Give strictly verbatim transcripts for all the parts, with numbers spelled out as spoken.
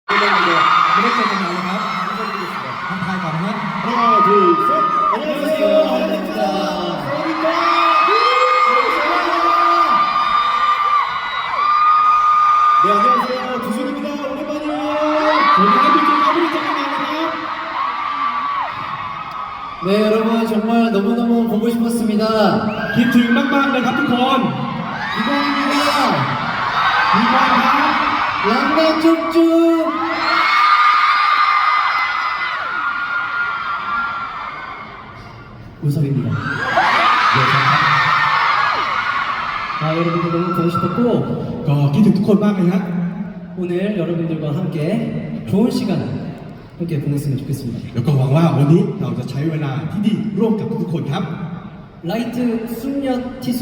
ไม่ได้เจอไม่ได้เจอกันนานเลยครับไม่ได้ดูสิครับทักทายก่อนนะฮะ 하나, 둘, 셋. 안녕하세요. 하이라이트입니다. 사와디카. 네, 안녕하세요. 두준입니다. 오랜만이에요. 저는 한국인 까불이 짱입니다. 네, 여러분 정말 너무너무 보고 싶었습니다. คิดถึงมากๆเลยครับทุกคน 이광입니다. มีความครับ 랑가 쭉쭉. 우석입니다. 네, 아, 여러분들 너무 보고 싶었고 ก็คิดถึงทุกคนมากเลยฮะ 오늘 여러분들과 함께 좋은 시간 함께 보냈으면 좋겠습니다. แล้วก็หวังว่าวันนี้เราจะใช้เวลาที่ดีร่วมกับทุกๆคนครับ 라이트 숙녀 티솥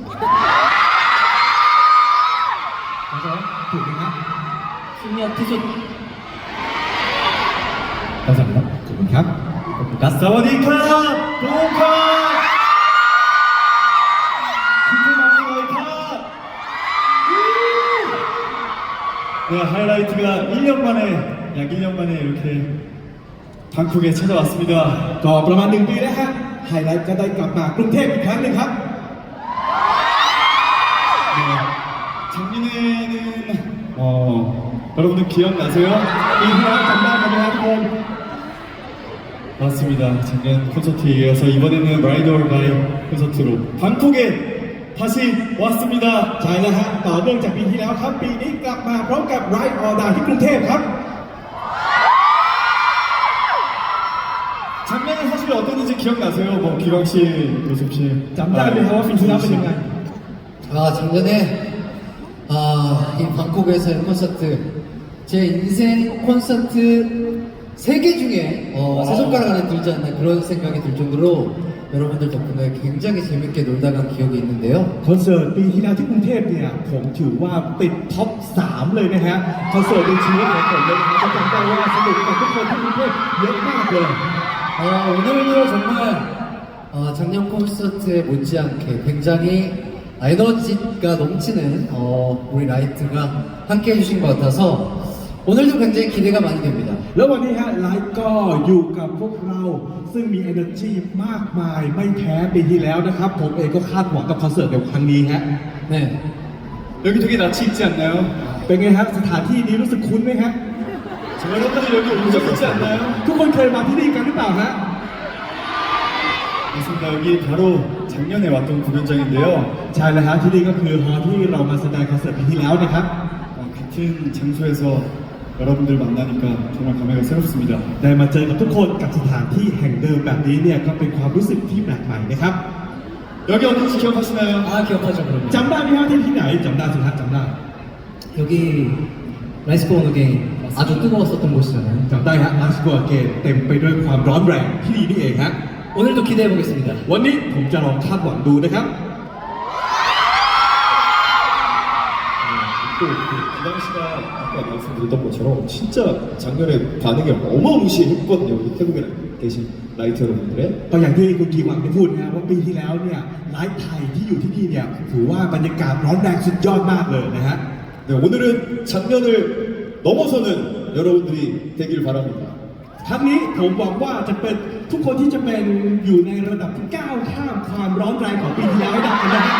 맞아요? ถูกไหมครับ 숙녀 티솥 감사합니다. ขอบคุณครับ 가스 사와디카. 도카. 큐큐마미가이카. 네, 하이라이트가 일 년 만에, 약 일 년 만에 이렇게 방콕에 찾아왔습니다. ก็ประมาณหนึ่งปีแล้วฮะไฮไลท์ก็ได้กลับมากรุงเทพอีกครั้งหนึ่งครับ 네, 작년에는 어, 여러분들 기억나세요? 이후에 감사합니다. 맞습니다. 작년 콘서트에 이어서 이번에는 라이드 올 바이 콘서트로 방콕에 다시 왔습니다. ใช่แล้วฮะต่อเนื่องจากปีที่แล้วครับ ปีนี้กลับมาพร้อมกับ Ride or Die ที่กรุงเทพครับ 작년에 사실 어땠는지 기억나세요? 뭐 기광 씨, 요셉 씨. จำได้ไหมครับว่าปีที่แล้วเป็นยังไง 아 작년에 아, 이 방콕에서의 콘서트 제 인생 콘서트 세 개 중에 어, 세 손가락 안에 들지 않나 그런 생각이 들 정도로 여러분들 덕분에 굉장히 재밌게 놀다 간 기억이 있는데요. คอนเสิร์ตปีที่แล้วที่กรุงเทพเนี่ยผมถือว่าติดท็อปสามเลยนะฮะคอนเสิร์ตในชีวิตของผมเลยนะครับจำได้ว่าสนุกกับทุกคนที่กรุงเทพเยอะมากเลย 어, 오늘도 정말 어, 작년 콘서트에 못지않게 굉장히 에너지가 넘치는 어, 우리 라이트가 함께 해주신 것 같아서 오늘도 굉장히 기대가 많이 됩니다. แล้ววันนี้ฮะไลฟ์ก็อยู่กับพวกเราซึ่งมี energy มากมายไม่แพ้ปีที่แล้วนะครับผมเองก็คาดหวังกับคอนเสิร์ตในครั้งนี้ฮะ 네. 여기 되게 낯이 익지 않나요? เป็นไงฮะสถานที่นี้รู้สึกคุ้นไหมฮะ 여러분들 여기 온 적 있지 않나요? ทุกคนเคยมาที่นี่กันหรือเปล่าฮะ 맞습니다. 여기 바로 작년에 왔던 공연장인데요. ใช่แล้วฮะที่นี่ก็คือฮอลล์ที่เรามาแสดงคอนเสิร์ตปีที่แล้วนะครับ 어, 같은 장소에서 여러분들 만나니까 정말 감회가 새롭습니다. ได้มาเจอกับทุกคนกับสถานที่แห่งเดิมแบบนี้เนี่ยก็เป็นความรู้สึกที่แปลกใหม่นะครับ 여기 어딘지 기억하시나요? 아 기억하죠 그러면. จำได้ไหมฮะที่ที่ไหนจำได้สิครับจำได้ 여기 라이스코 오너 게임 아주 뜨거웠었던 곳이잖아요. จำได้ฮะมาสกัวเกตเต็มไปด้วยความร้อนแรงที่นี่นี่เองฮะ 오늘도 기대해 보겠습니다. วันนี้ผมจะลองคาดหวังดูนะครับ 또 그 기광 씨가 아까 말씀드렸던 것처럼 진짜 작년에 반응이 어마무시했거든요. 우리 태국에 계신 라이트 여러분들의. ก็อย่างที่คุณกีหวังได้พูดนะว่าปีที่แล้วเนี่ยไลฟ์ไทยที่อยู่ที่นี่เนี่ยถือว่าบรรยากาศร้อนแรงสุดยอดมากเลยนะฮะ 네, 오늘은 작년을 넘어서는 여러분들이 되길 바랍니다. ครั้งนี้ผมหวังว่าจะเป็นทุกคนที่จะเป็นอยู่ในระดับที่ก้าวข้ามความร้อนแรงของปีที่แล้วให้ได้นะฮะ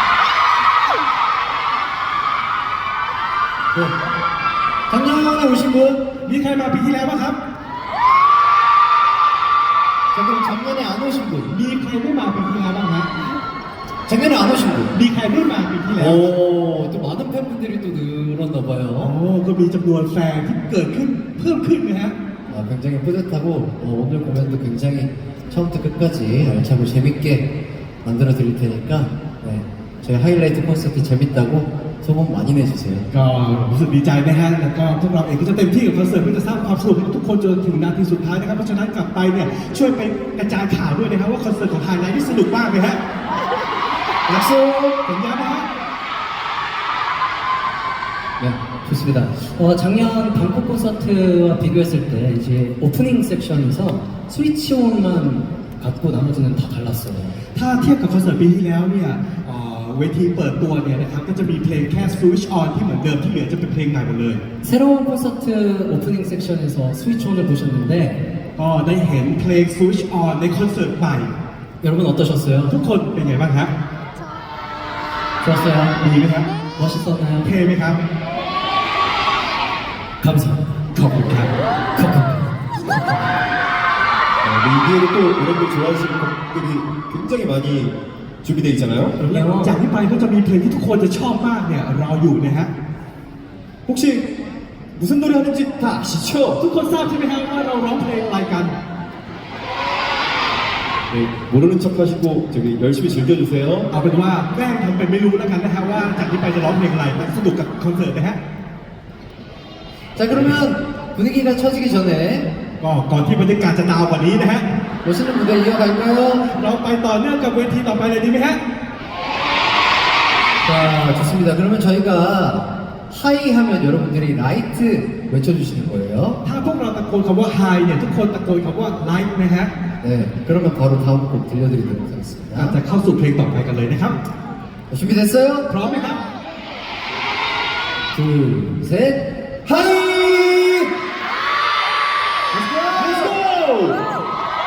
네. 작년에 오신 분? มีใครมาปีที่แล้วบ้างครับ 자 그럼 작년에 안 오신 분? มีใครไม่มาปีที่แล้วบ้างฮะ 작년에 안 오신 분? มีใครไม่มาปีที่แล้ว 오, 또 많은 팬분들이 또 늘었나 โอ้ 봐요. ก็มีจำนวนแฟนที่เกิดขึ้นเพิ่มขึ้นนะฮะ 아, 굉장히 뿌듯하고 어, 오늘 공연도 굉장히 처음부터 끝까지 알차고 재밌게 만들어 드릴 테니까 네, 저희 하이라이트 콘서트 재밌다고 소문 많이 내주세요. ก็รู้สึกดีใจนะฮะแล้วก็พวกเราเองก็จะเต็มที่กับคอนเสิร์ตเพื่อจะสร้างความสนุกให้กับทุกคนจนถึงนาทีสุดท้ายนะครับเพราะฉะนั้นกลับไปเนี่ยช่วยไปกระจายข่าวด้วยนะครับว่าคอนเสิร์ตของไฮไลท์ที่สนุกมากเลยฮะ 약속! สัญญานะฮะ 네, 좋습니다. 어, 작년 방콕 콘서트와 비교했을 때 이제 오프닝 섹션에서 스위치온만 갖고 나머지는 다 달랐어요. ถ้าเทียบกับคอนเสิร์ตปีที่แล้วเนี่ยเอ่อเวทีเปิดตัวเนี่ยนะครับก็จะมีเพลงแค่ Switch On ที่เหมือนเดิมที่เหลือจะเป็นเพลงใหม่หมดเลย 새로운 콘서트 오프닝 섹션에서 스위치온을 보셨는데 ก็ได้เห็นเพลง Switch On ในคอนเสิร์ตใหม่ 여러분 어떠셨어요? ทุกคนเป็นไงบ้างครับ 좋았어요? ดีไหมครับ 멋있었나요? เท่ไหมครับ 감사합니다. ขอบคุณครับ 어, 리뷰에도 또 여러분들 좋아하시는 곡들이 굉장히 많이 준비되어 있잖아요. จากนี้ไปก็จะมีเพลงที่ทุกคนจะชอบมากเนี่ยรออยู่นะฮะ 혹시 무슨 노래 하는지 다 아시죠? ทุกคนทราบใช่ไหมครับว่าเราร้องเพลงอะไรกัน 네, 모르는 척 하시고 저기 열심히 즐겨주세요. เอาเป็นว่าแกล้งทำเป็นไม่รู้แล้วกันนะฮะว่าจากนี้ไปจะร้องเพลงอะไรมันสนุกกับคอนเสิร์ตนะฮะ 자 그러면 분위기가 처지기 전에 ก็ก่อนที่บรรยากาศจะดาวกว่านี้นะฮะ 멋있는 무대 이어갈까요? เราไปต่อเนื่องกับเวทีต่อไปเลยดีไหมฮะ 자 좋습니다. 그러면 저희가 하이 하면 여러분들이 라이트 외쳐주시는 거예요. ถ้าพวกเราตะโกนคำว่า Hi เนี่ยทุกคนตะโกนคำว่า Like นะฮะ 네, 그러면 바로 다음 곡 들려드리도록 อาจจะ 하겠습니다. เข้าสู่เพลงต่อไปกันเลยนะครับ 준비됐어요? พร้อมไหมครับ 둘, 셋, 하이!